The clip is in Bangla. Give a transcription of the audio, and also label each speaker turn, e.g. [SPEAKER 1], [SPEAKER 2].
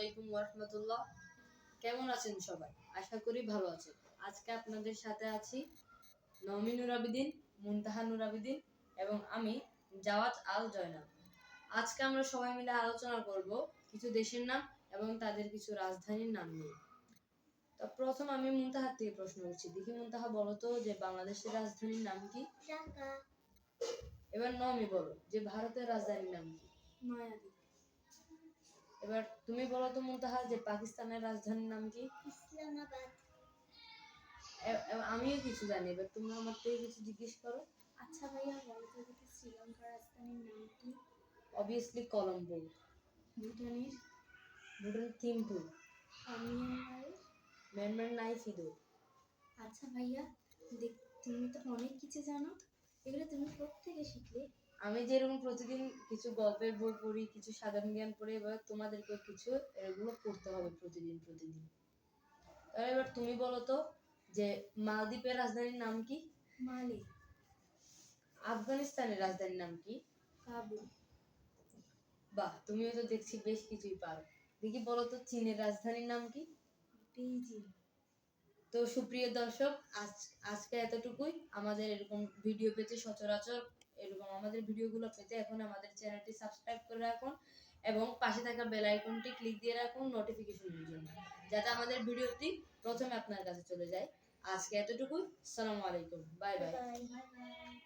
[SPEAKER 1] আলাইকুম ওয়া রাহমাতুল্লাহ। কেমন আছেন সবাই? আশা করি ভালো আছেন। আজকে আপনাদের সাথে আছি নওমি নূর আবেদিন, মুনতাহা নূর আবেদিন এবং আমি জাওয়াত আল জয়নাল। আজকে আমরা সবাই মিলে আলোচনা করব কিছু দেশের নাম এবং তাদের কিছু রাজধানীর নাম নিয়ে। তো প্রথম আমি মুনতাহার থেকে প্রশ্ন করছি। দেখি মুনতাহা বলো তো যে বাংলাদেশের রাজধানীর নাম কি?
[SPEAKER 2] ঢাকা।
[SPEAKER 1] এবার নওমি বলো যে ভারতের রাজধানীর নাম কি?
[SPEAKER 2] নয়াদিল্লি।
[SPEAKER 1] এবার তুমি বলো তো মুনতাহা যে পাকিস্তানের রাজধানীর নাম কি?
[SPEAKER 2] ইসলামাবাদ।
[SPEAKER 1] আমিও কিছু জানি, এবার তুমি আমার থেকে কিছু জিজ্ঞেস করো।
[SPEAKER 2] আচ্ছা ভাইয়া, বলো তো দেখি শ্রীলঙ্কার রাজধানীর নাম কি?
[SPEAKER 1] অবভিয়াসলি কলম্বো।
[SPEAKER 2] ভুটানের?
[SPEAKER 1] থিম্পু।
[SPEAKER 2] মিয়ানমারের?
[SPEAKER 1] নাইফিদো।
[SPEAKER 2] আচ্ছা ভাইয়া, তুমি তো অনেক কিছু জানো, এগুলো তুমি কোত্থেকে শিখলে?
[SPEAKER 1] আমি যেরকম প্রতিদিন কিছু গল্পের বই পড়ি, কিছু সাধারণ জ্ঞান পড়ি, এবার তোমাদেরকে কিছু এগুলো পড়তে হবে প্রতিদিন। তাহলে এবার তুমি বলো তো যে মালদ্বীপের রাজধানীর নাম কি?
[SPEAKER 2] মালে।
[SPEAKER 1] আফগানিস্তানের রাজধানীর নাম কি?
[SPEAKER 2] কাবুল।
[SPEAKER 1] বাহ, তুমিও তো দেখছি বেশ কিছুই পারো। দেখি বলো তো চীনের রাজধানীর নাম কি?
[SPEAKER 2] বেইজিং।
[SPEAKER 1] তো সুপ্রিয় দর্শক, আজকে এতটুকুই। আমাদের এরকম ভিডিও পেতে সচরাচর এরকম আমাদের ভিডিওগুলো পেতে এখন আমাদের চ্যানেলটি সাবস্ক্রাইব করে রাখুন এবং পাশে থাকা বেল আইকনটি ক্লিক দিয়ে রাখুন নোটিফিকেশনের জন্য, যাতে আমাদের ভিডিওটি প্রথমে আপনার কাছে চলে যায়। আজকে এতটুকুই। আসসালামু আলাইকুম। Bye bye.
[SPEAKER 2] Bye by.